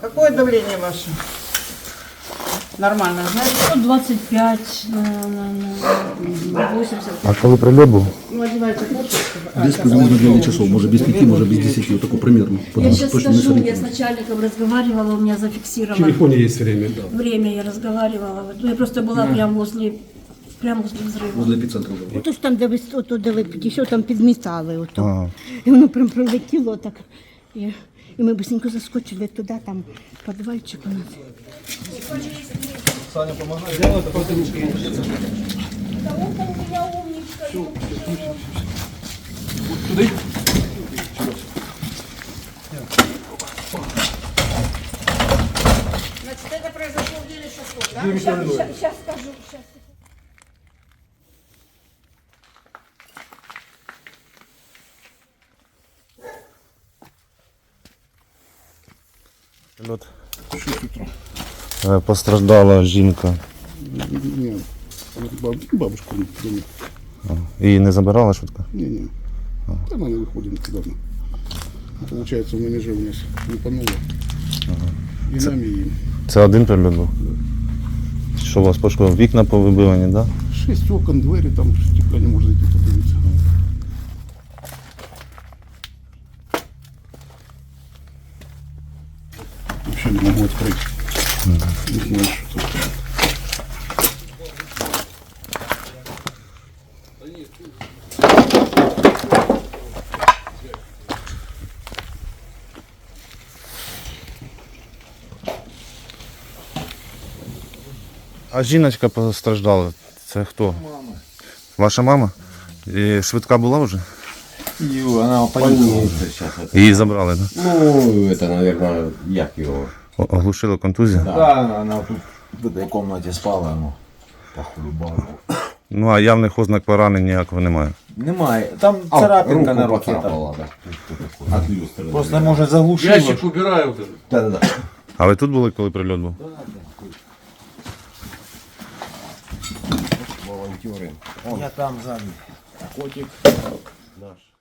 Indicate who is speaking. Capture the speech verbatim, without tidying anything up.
Speaker 1: Какое давление ваше? Нормально, знаете?
Speaker 2: сто двадцать пять на, на, на восемьдесят.
Speaker 3: А коли прильот був?
Speaker 1: Ну, одевайте курточку.
Speaker 4: Без приблизно девять часов, может без пяти, может без десяти, вот такой примерно.
Speaker 2: Я
Speaker 4: Потому
Speaker 2: сейчас
Speaker 4: что точно не
Speaker 2: скажу, я с
Speaker 4: сориентируюсь.
Speaker 2: начальником разговаривала, у меня
Speaker 5: В
Speaker 2: зафиксировано
Speaker 5: телефоне есть время, да.
Speaker 2: время, я разговаривала. Вот, ну, я просто была прямо возле, прямо возле взрыва.
Speaker 4: Возле эпицентра уже.
Speaker 6: Ото ж там, де ви ото, де ви підійшов, там підмітали ото.
Speaker 3: Ага.
Speaker 6: І воно прям пролетіло так. І, і ми быстренько заскочили туди, там підвальчик у нас.
Speaker 2: Значит, это произошло в девять часов, да? Сейчас, сейчас скажу, сейчас.
Speaker 3: Прильот. Е, Постраждала жінка.
Speaker 4: Нет, бабушка не дома.
Speaker 3: Її не забирала швидко?
Speaker 4: Не-не. Она не выходит недавно. Получается, в манеже у нас лупануло. И нам, и им.
Speaker 3: Це один прильот був? Що у вас пошкодило? Вікна повибивані, так? Да?
Speaker 4: Шесть окон, двери, там стекла не может зайти, подивиться. Вообще не могу открыть. Не знаю, что тут.
Speaker 3: А жіночка постраждала. Це хто? Мама. Ваша мама? І швидка була вже?
Speaker 7: Ю, она больница сейчас. Это.
Speaker 3: Її забрали, так? Да?
Speaker 7: Ну, это, наверное, як его.
Speaker 3: О- Оглушила контузія?
Speaker 7: Да, она тут в этой комнате спала, ну, похулибала.
Speaker 3: Ну а явних ознак поранень ніякого немає.
Speaker 7: Немає. Там царапинка на руке. Там. От люстры. Просто, может, заглушила.
Speaker 5: Ящик убираю вот этот.
Speaker 7: Да-да-да.
Speaker 3: А ви тут були, коли прильот був?
Speaker 7: Волонтеры. Я там сзади. Котик наш.